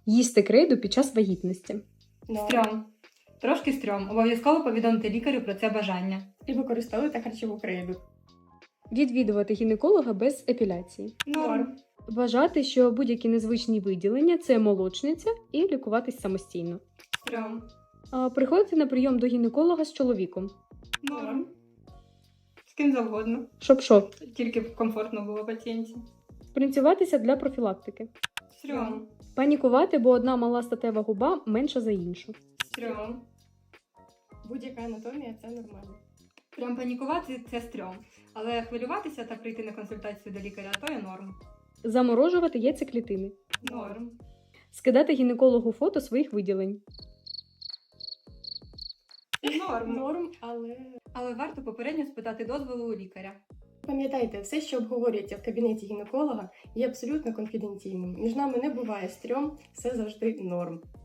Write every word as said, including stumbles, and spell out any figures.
Їсти крейду під час вагітності. Стрьом. Трошки стрьом. Обов'язково повідомити лікарю про це бажання. І використовуйте харчову крейду. Відвідувати гінеколога без епіляції. Норм. Вважати, що будь-які незвичні виділення – це молочниця і лікуватись самостійно. Стрьом. А, приходити на прийом до гінеколога з чоловіком. Норм. З ким завгодно. Щоб-що? Тільки б комфортно було пацієнтці. Принцюватися для профілактики. Стрьом. Панікувати, бо одна мала статева губа менша за іншу. Стрьом. Будь-яка анатомія – це нормально. Прям панікувати – це стрьом. Але хвилюватися та прийти на консультацію до лікаря – то є норм. Заморожувати яйцеклітини. Норм. Скидати гінекологу фото своїх виділень. Норм. Норм, але Але варто попередньо спитати дозволу у лікаря. пам'ятайте, все, що обговорюється в кабінеті гінеколога, є абсолютно конфіденційним. Між нами не буває стрьом, все завжди норм.